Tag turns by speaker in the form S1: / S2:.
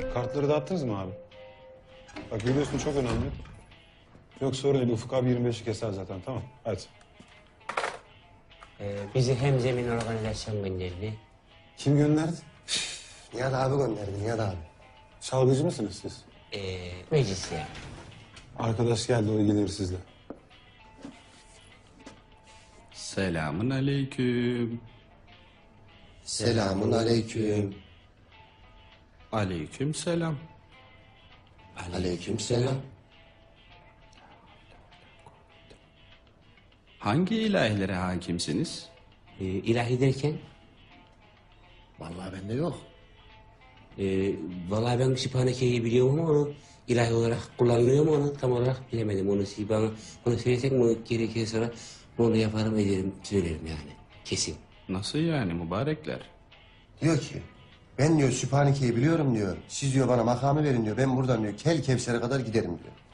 S1: Kartları dağıttınız mı abi? Bak biliyorsun çok önemli. Yok sorun değil. Ufuk abi 25'i keser zaten. Tamam. Hadi.
S2: Bizi hem zemin organizasyon gönderdi.
S1: Kim gönderdi?
S3: Nihat abi gönderdi, Nihat abi.
S1: Çalgıcı mısınız siz?
S2: Meclise.
S1: Arkadaş geldi, o ilgilenir sizle.
S4: Selamun aleyküm.
S3: Selamun aleyküm.
S4: Aleyküm selam.
S3: Aleyküm selam.
S4: Hangi ilahlere hakimsiniz?
S2: İlahi derken?
S3: Vallahi bende yok.
S2: Vallahi ben Sübhaneke'yi biliyorum ama onu ilahi olarak kullanılıyor mu onu tam olarak bilemedim. Onu siz bana onu söylesek mi gerekirse sonra onu da yaparım ederim söylerim yani kesin.
S4: Nasıl yani mübarekler?
S3: Diyor ki, ben diyor Sübhaneke'yi biliyorum diyor. Siz diyor bana makamı verin diyor. Ben buradan diyor Kel Kevser'e kadar giderim diyor.